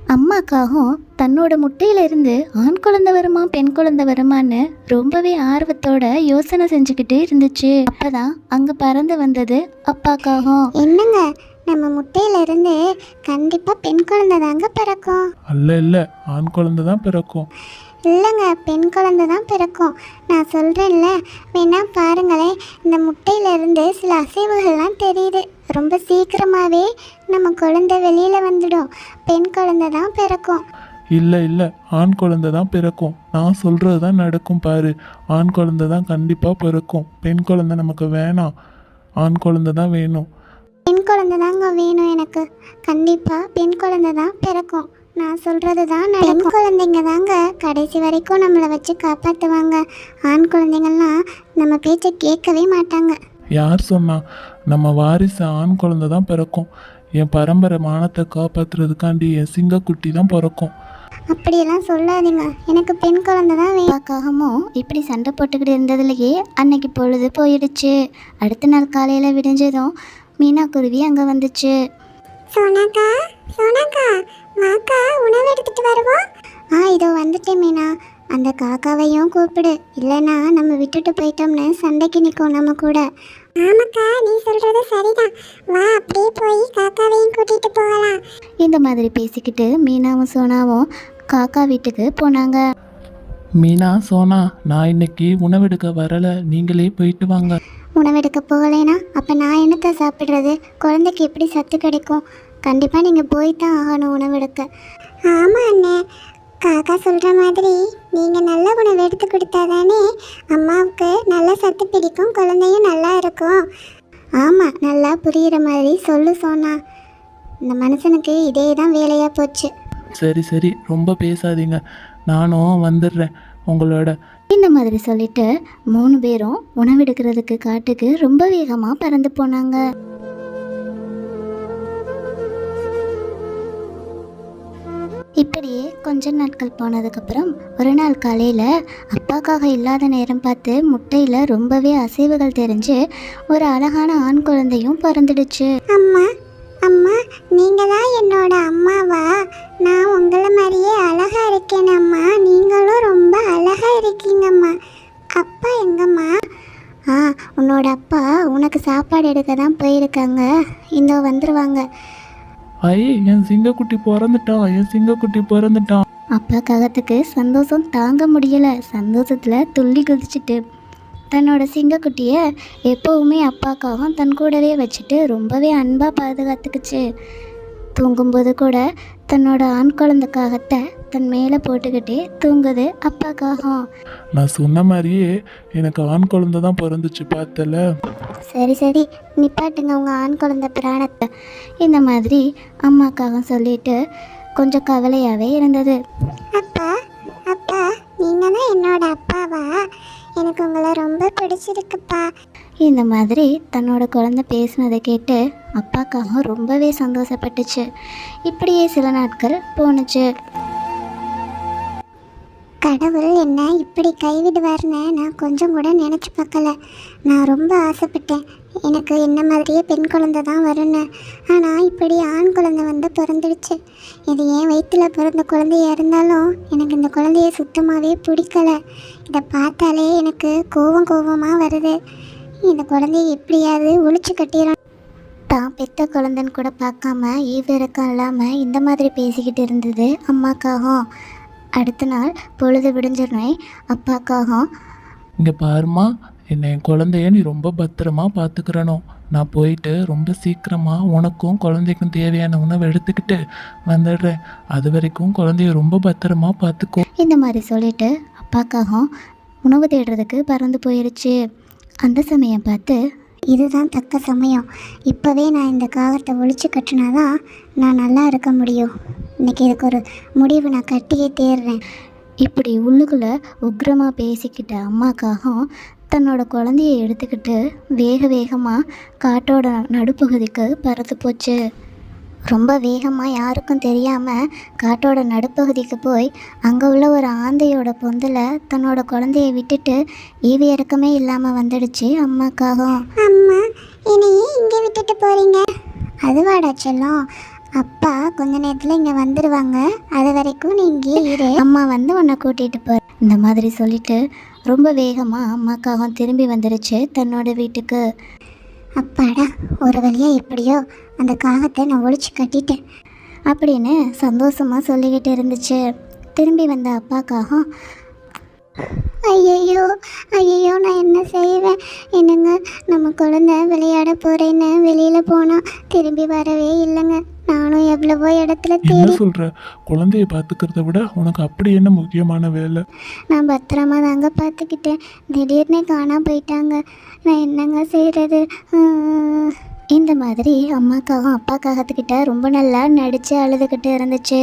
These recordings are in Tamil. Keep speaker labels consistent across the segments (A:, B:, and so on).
A: அம்மாக்காகவும் தன்னோட முட்டையிலிருந்து ஆண் குழந்தை வருமா பெண் குழந்தை வருமான்னு ரொம்பவே ஆர்வத்தோட யோசனை செஞ்சுக்கிட்டு இருந்துச்சு. அப்பதான் அங்க பறந்து வந்தது அப்பாக்காகவும்.
B: என்னங்க, நம்ம முட்டையிலிருந்து கண்டிப்பா பெண் குழந்தை தாங்க பிறக்கும்.
C: இல்ல ஆண் குழந்தை தான் பிறக்கும்.
B: இல்லைங்க, பெண் குழந்தை தான் பிறக்கும். நான் சொல்கிறேன்ல, வேணா பாருங்களேன். இந்த முட்டையிலேருந்து சில அசைவுகள்லாம் தெரியுது. ரொம்ப சீக்கிரமாகவே நம்ம குழந்தை வெளியில் வந்துடும். பெண் குழந்தை தான் பிறக்கும்.
C: இல்லை ஆண் குழந்தை தான் பிறக்கும். நான் சொல்கிறது தான் நடக்கும் பாரு. ஆண் குழந்தை தான் கண்டிப்பாக பிறக்கும். பெண் குழந்தை நமக்கு வேணாம். ஆண் குழந்தை தான் வேணும்.
B: பெண் குழந்தை தாங்க வேணும் எனக்கு. கண்டிப்பாக பெண் குழந்தை தான் பிறக்கும். நான் சொல்கிறது தான் பெண் குழந்தைங்க தாங்க கடைசி வரைக்கும் நம்மளை வச்சு காப்பாற்றுவாங்க. ஆண் குழந்தைங்கள்லாம் நம்ம பேச்சை கேட்கவே மாட்டாங்க.
C: யார் சொன்னா? நம்ம வாரிசு ஆண் குழந்தை தான் பிறக்கும். என் பரம்பரை மானத்தை காப்பாற்றுறதுக்காண்டி என் சிங்கக்குட்டி தான் பிறக்கும்.
B: அப்படியெல்லாம் சொல்லாதீங்க, எனக்கு பெண் குழந்தை தான் வேணும்.
A: அப்பாக்காகவும் இப்படி சண்டை போட்டுக்கிட்டு இருந்ததுலேயே அன்னைக்கு பொழுது போயிடுச்சு. அடுத்த நாள் காலையில் விடிஞ்சதும் மீனா குருவி அங்கே வந்துச்சு.
B: சோனாக்கா, வாக்கா, உணவு எடுத்துட்டு வருவோம். இதோ வந்துட்டேன் மீனா. அந்த காக்காவையும் கூப்பிடு, இல்லைன்னா நம்ம விட்டுட்டு போயிட்டோம்னு சண்டைக்கு நிற்கும் நம்ம கூட. ஆமாக்கா, நீ சொல்றது சரிதான். வா, அப்படியே போய் காக்காவையும் கூட்டிட்டு போகலாம்.
A: இந்த மாதிரி பேசிக்கிட்டு மீனாவும் சோனாவும் காக்கா வீட்டுக்கு போனாங்க.
C: மீனா, சோனா, நான் இன்னைக்கு உணவெடுக்க வரலை. நீங்களே போயிட்டு வாங்க.
B: உணவெடுக்க போகலைனா அப்போ நான் என்னத்தை சாப்பிட்றது? குழந்தைக்கு எப்படி சத்து கிடைக்கும்? கண்டிப்பாக நீங்கள் போய் தான் ஆகணும் உணவெடுக்க. ஆமாம் அண்ணே, காக்கா சொல்கிற மாதிரி நீங்கள் நல்ல உணவு எடுத்து கொடுத்தா தானே அம்மாவுக்கு நல்ல சத்து பிடிக்கும், குழந்தையும் நல்லா இருக்கும். ஆமாம், நல்லா புரிகிற மாதிரி சொல்லு சோனா. இந்த மனுஷனுக்கு இதே தான் வேலையாக போச்சு.
C: சரி ரொம்ப பேசாதீங்க. நானும் வந்துடுறேன் உங்களோட.
A: இந்த மாதிரி சொல்லிட்டு 3 பேரும் உணவெடுக்கிறதுக்கு காட்டுக்கு ரொம்ப வேகமாக பறந்து போனாங்க. இப்படியே கொஞ்ச நாட்கள் போனதுக்கப்புறம் ஒரு நாள் காலையில் அப்பாக்காக இல்லாத நேரம் பார்த்து முட்டையில் ரொம்பவே அசைவுகள் தெரிஞ்சு ஒரு அழகான ஆண் குழந்தையும் பிறந்துடுச்சு.
B: அம்மா, நீங்கள் தான் என்னோட அம்மாவா? நான் உங்களை மாதிரியே அழகா இருக்கேன் அம்மா. நீங்களும் ரொம்ப அழகா இருக்கீங்கம்மா. அப்பா எங்கம்மா? உன்னோட அப்பா உனக்கு சாப்பாடு எடுக்க தான் போயிருக்காங்க. இந்த வந்துருவாங்க.
C: என் சிங்கக்குட்டி பிறந்துட்டான்.
A: அப்பா காகத்துக்கு சந்தோஷம் தாங்க முடியலை. சந்தோஷத்தில் துள்ளி குதிச்சுட்டு தன்னோட சிங்கக்குட்டியை எப்போவுமே அப்பாக்காகவும் தன் கூடவே வச்சுட்டு ரொம்பவே அன்பாக பாதுகாத்துக்குச்சு. தூங்கும்போது கூட தன்னோட ஆண் குழந்தைக்காகத்தை தன் மேலே போட்டுக்கிட்டே தூங்குது அப்பாக்காகவும்.
C: நான் சொன்ன மாதிரியே எனக்கு ஆண் குழந்தை தான் பிறந்துச்சு, பார்த்தல.
B: சரி, நிப்பாட்டுங்க உங்கள் ஆண் குழந்தை பிராணத்தை.
A: இந்த மாதிரி அம்மாக்காக சொல்லிட்டு கொஞ்சம் கவலையாகவே இருந்தது.
B: அப்பா, நீங்கள் தான் என்னோட அப்பாவா? எனக்கு உங்களை ரொம்ப பிடிச்சிருக்குப்பா.
A: இந்த மாதிரி தன்னோட குழந்தை பேசினதை கேட்டு அப்பாக்காக ரொம்பவே சந்தோஷப்பட்டுச்சு. இப்படியே சில நாட்கள் போணுச்சு.
B: கடவுள் என்ன இப்படி கைவிடுவார்னு நான் கொஞ்சம் கூட நினச்சி பார்க்கல. நான் ரொம்ப ஆசைப்பட்டேன் எனக்கு என்ன மாதிரியே பெண் குழந்தை தான் வரும்னு. ஆனால் இப்படி ஆண் குழந்தை வந்து பிறந்துடுச்சு. இது ஏன் வயிற்றில் பிறந்த குழந்தையாக இருந்தாலும் எனக்கு இந்த குழந்தைய சுத்தமாகவே பிடிக்கலை. இதை பார்த்தாலே எனக்கு கோபமாக வருது. இந்த குழந்தைய எப்படியாவது ஒழிச்சு கட்டிடணும்.
A: தான் பெத்த குழந்தைன்னு கூட பார்க்காம ஈவிரக்கம் இல்லாமல் இந்த மாதிரி பேசிக்கிட்டு இருந்தது அம்மாக்காகவும். அடுத்த நாள் பொழுது விடிஞ்சிருந்தே அப்பாக்காகவும்,
C: இங்கே பாருமா, என் குழந்தைய நீ ரொம்ப பத்திரமா பார்த்துக்கிறணும். நான் போயிட்டு ரொம்ப சீக்கிரமாக உனக்கும் குழந்தைக்கும் தேவையான உணவை எடுத்துக்கிட்டு வந்துடுறேன். அது வரைக்கும் குழந்தைய ரொம்ப பத்திரமா பார்த்துக்கோ.
A: இந்த மாதிரி சொல்லிட்டு அப்பாக்காகவும் உணவு தேடுறதுக்கு பறந்து போயிடுச்சு. அந்த சமயம் பார்த்து,
B: இதுதான் தக்க சமயம். இப்போவே நான் இந்த காகத்தை ஒழிச்சு கட்டினாதான் நான் நல்லா இருக்க முடியும். இன்றைக்கி இதுக்கு ஒரு முடிவு நான் கட்டியே தேடுறேன்.
A: இப்படி உள்ளுக்குள்ளே உக்ரமாக பேசிக்கிட்ட அம்மாக்காகவும் தன்னோட குழந்தையை எடுத்துக்கிட்டு வேகமாக காட்டோட நடுப்பகுதிக்கு பறந்து போச்சு. ரொம்ப வேகமாக யாருக்கும் தெரியாமல் காட்டோட நடுப்பகுதிக்கு போய் அங்கே உள்ள ஒரு ஆந்தையோட பொந்தில் தன்னோட குழந்தைய விட்டுட்டு ஈவி இறக்கமே இல்லாமல் வந்துடுச்சு அம்மாக்காகவும்.
B: அம்மா, என்னையே இங்கே விட்டுட்டு போகிறீங்க? அதுவாடா செல்லம், அப்பா கொஞ்ச நேரத்தில் இங்கே வந்துடுவாங்க, அது வரைக்கும் நீ இங்கே இரு.
A: அம்மா வந்து உன்னை கூட்டிகிட்டு போகிற இந்த மாதிரி சொல்லிட்டு ரொம்ப வேகமாக அம்மாக்காகவும் திரும்பி வந்துருச்சு தன்னோட வீட்டுக்கு.
B: அப்பாடா, ஒரு வழியாக எப்படியோ அந்த காகத்தை நான் ஒழிச்சு கட்டிட்டேன்
A: அப்படின்னு சந்தோஷமாக சொல்லிக்கிட்டு இருந்துச்சு. திரும்பி வந்த அப்பாக்காகவும்
B: ஐயையோ ஐயையோ, நான் என்ன செய்வேன்? என்னங்க, நம்ம குழந்தை விளையாட போகிறேன்னு வெளியில் போனால் திரும்பி வரவே இல்லைங்க. நானும் எவ்வளவோ இடத்துல
C: என்ன
B: தேடி
C: சொல்ற? குழந்தைய பார்த்துக்கிறத விட உனக்கு அப்படி என்ன முக்கியமான வேலை?
B: நான் பத்திரமா தாங்க பார்த்துக்கிட்டேன். திடீர்னு காணாம போயிட்டாங்க. நான் என்னங்க செய்கிறது?
A: இந்த மாதிரி அம்மாக்காகவும் அப்பாக்காகத்துக்கிட்ட ரொம்ப நல்லா நடித்து அழுதுகிட்டு இருந்துச்சு.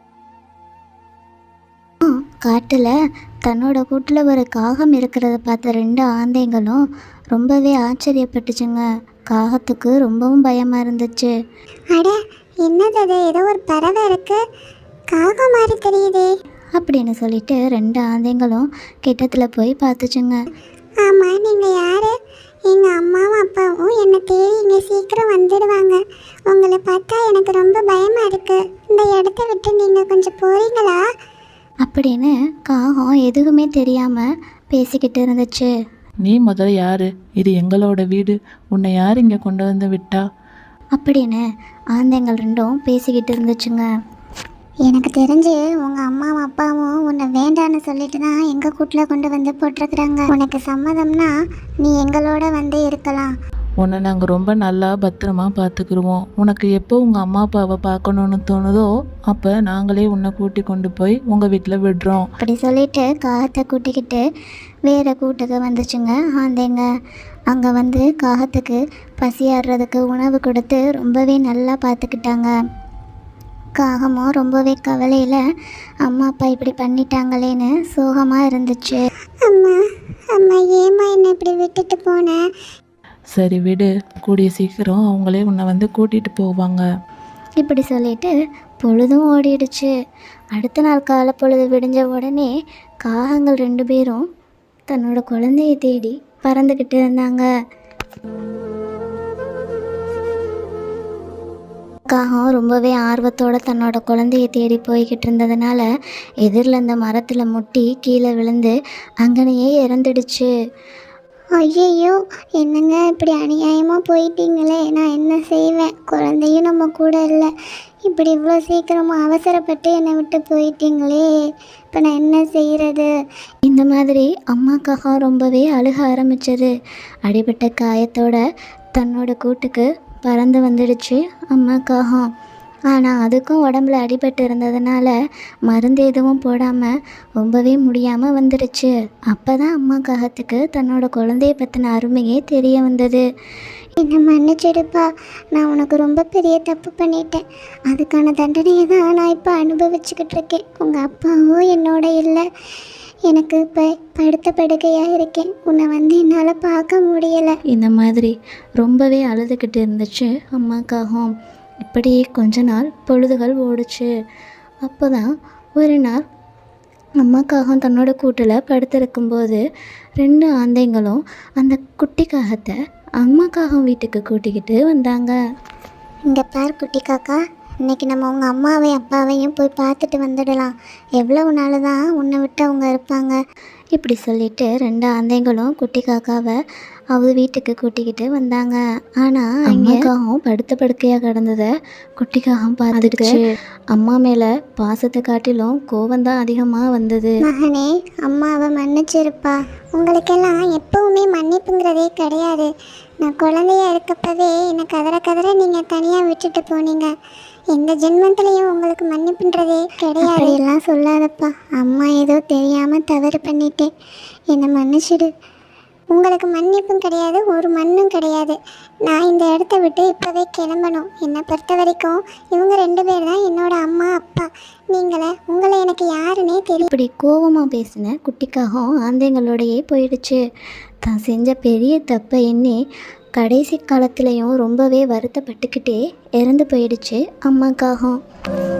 A: காட்டில் தன்னோட கூட்டில் ஒரு காகம் இருக்கிறத பார்த்த 2 ஆந்தைங்களும் ரொம்பவே ஆச்சரியப்பட்டுச்சுங்க. காகத்துக்கு ரொம்பவும் பயமாக இருந்துச்சு.
B: அட, என்னது அது? ஏதோ ஒரு பறவை இருக்கு, காகம் மாதிரி தெரியுதே.
A: அப்படின்னு சொல்லிட்டு 2 ஆந்தைங்களும் கிட்டத்தில் போய் பார்த்துச்சுங்க.
B: ஆமாம், நீங்கள் யார்? எங்கள் அம்மாவும் அப்பாவும் என்னை தேடி இங்கே சீக்கிரம் வந்துடுவாங்க. உங்களை பார்த்தா எனக்கு ரொம்ப பயமாக இருக்குது. இந்த இடத்த விட்டு நீங்கள் கொஞ்சம் போகிறீங்களா?
A: அப்படின்னு காகம் எதுவுமே தெரியாமல் பேசிக்கிட்டு இருந்துச்சு.
C: நீ முதல்ல யாரு? இது எங்களோட வீடு. உன்னை யார் இங்கே கொண்டு வந்து விட்டா?
A: அப்படின்னு ஆந்தைங்கள் 2ம் பேசிக்கிட்டு இருந்துச்சுங்க.
B: எனக்கு தெரிஞ்சு உங்கள் அம்மாவும் அப்பாவும் உன்னை வேண்டான்னு சொல்லிட்டு தான் எங்கள் கூட்டில் கொண்டு வந்து போட்டிருக்குறாங்க. உனக்கு சம்மதம்னா நீ எங்களோட வந்து இருக்கலாம்.
C: உன்னை நாங்கள் ரொம்ப நல்லா பத்திரமா பார்த்துக்குருவோம். உனக்கு எப்போ உங்கள் அம்மா அப்பாவை பார்க்கணுன்னு தோணுதோ அப்போ நாங்களே உன்னை கூட்டி கொண்டு போய் உங்கள் வீட்டில் விடுறோம்.
A: அப்படி சொல்லிட்டு காகத்தை கூட்டிக்கிட்டு வேறு கூட்டுக்கு வந்துச்சுங்க ஆந்தைங்க. அங்கே வந்து காகத்துக்கு பசியாடுறதுக்கு உணவு கொடுத்து ரொம்பவே நல்லா பார்த்துக்கிட்டாங்க. காகமும் ரொம்பவே கவலையில் அம்மா அப்பா இப்படி பண்ணிட்டாங்களேன்னு சோகமாக இருந்துச்சு.
B: அம்மா அம்மா, ஏம்மா என்னை இப்படி விட்டுட்டு போனேன்?
C: சரி விடு, கூடிய சீக்கிரம் அவங்களே உன்னை வந்து கூட்டிகிட்டு போவாங்க.
A: இப்படி சொல்லிட்டு பொழுதும் ஓடிடுச்சு. அடுத்த நாள் காலை பொழுது விடிஞ்ச உடனே காகங்கள் 2 பேரும் தன்னோட குழந்தைய தேடி பறந்துக்கிட்டு இருந்தாங்க. காகம் ரொம்பவே ஆர்வத்தோடு தன்னோட குழந்தைய தேடி போய்கிட்டு இருந்ததுனால எதிரில் இந்த மரத்தில் முட்டி கீழே விழுந்து அங்கனையே இறந்துடுச்சு.
B: ஐயையோ, என்னங்க இப்படி அநியாயமாக போயிட்டீங்களே. நான் என்ன செய்வேன்? குழந்தையும் நம்ம கூட இல்லை. இப்படி இவ்வளோ சீக்கிரமாக அவசரப்பட்டு என்னை விட்டு போயிட்டீங்களே. இப்போ நான் என்ன செய்கிறது?
A: இந்த மாதிரி அம்மாக்காக ரொம்பவே அழுக ஆரம்பிச்சது. அடிபட்ட காயத்தோட தன்னோட கூட்டுக்கு பறந்து வந்துடுச்சு அம்மாக்காகம். ஆனால் அதுக்கும் உடம்புல அடிபட்டு இருந்ததுனால மருந்து எதுவும் போடாமல் ரொம்பவே முடியாமல் வந்துடுச்சு. அப்போ தான் அம்மாக்காகத்துக்கு தன்னோட குழந்தைய பற்றின அருமையே தெரிய வந்தது.
B: என்னை மன்னிச்சிடுப்பா, நான் உனக்கு ரொம்ப பெரிய தப்பு பண்ணிட்டேன். அதுக்கான தண்டனையை தான் நான் இப்போ அனுபவிச்சுக்கிட்டு இருக்கேன். உங்கள் அப்பாவும் என்னோட இல்லை. எனக்கு இப்போ படுத்த படுக்கையாக இருக்கேன். உன்னை வந்து என்னால் பார்க்க முடியலை.
A: இந்த மாதிரி ரொம்பவே அழுதுகிட்டு இருந்துச்சு அம்மாக்காகவும். இப்படியே கொஞ்ச நாள் பொழுதுகள் ஓடுச்சு. அப்போ தான் ஒரு நாள் அம்மாக்காகம் தன்னோட கூட்டில் படுத்திருக்கும்போது 2 ஆந்தைங்களும் அந்த குட்டி காகத்தை அம்மாக்காகம் வீட்டுக்கு கூட்டிக்கிட்டு வந்தாங்க.
B: இங்கே பார் குட்டி காக்கா, இன்றைக்கி நம்ம உங்கள் அம்மாவையும் அப்பாவையும் போய் பார்த்துட்டு வந்துடலாம். எவ்வளவு நாள் தான் உன்னை விட்டு அவங்க இருப்பாங்க?
A: இப்படி சொல்லிட்டு 2 ஆந்தைங்களும் குட்டி காக்காவை அவங்க வீட்டுக்கு கூட்டிக்கிட்டு வந்தாங்க. ஆனால் அம்மாக்காகவும் படுத்த படுக்கையாக கிடந்ததை குட்டிக்காகவும் பார்த்துக்கிச்சு. அம்மா மேலே பாசத்தை காட்டிலும் கோபந்தான் அதிகமாக வந்தது.
B: மகனே, அம்மாவை மன்னிச்சிருப்பா. உங்களுக்கெல்லாம் எப்பவுமே மன்னிப்புங்கிறதே கிடையாது. நான் குழந்தையா இருக்கப்பவே என்னை கதற நீங்கள் தனியாக விட்டுட்டு போனீங்க. எந்த ஜென்மத்திலையும் உங்களுக்கு மன்னிப்புன்றதே கிடையாது. எல்லாம் சொல்லாதப்பா. அம்மா ஏதோ தெரியாமல் தவறு பண்ணிட்டேன். என்னை மன்னிச்சிடு. உங்களுக்கு மன்னிப்பும் கிடையாது, ஒரு மண்ணும் கிடையாது. நான் இந்த இடத்த விட்டு இப்போவே கிளம்பணும். என்னை பொறுத்த வரைக்கும் இவங்க 2 பேர் தான் என்னோட அம்மா அப்பா. உங்களை எனக்கு யாருன்னே தெரியும்.
A: இப்படி கோபமாக பேசின குட்டிக்காகவும் ஆந்தைங்களோடையே போயிடுச்சு. தான் செஞ்ச பெரிய தப்பை எண்ணி கடைசி காலத்துலேயும் ரொம்பவே வருத்தப்பட்டுக்கிட்டே இறந்து போயிடுச்சு அம்மாக்காகவும்.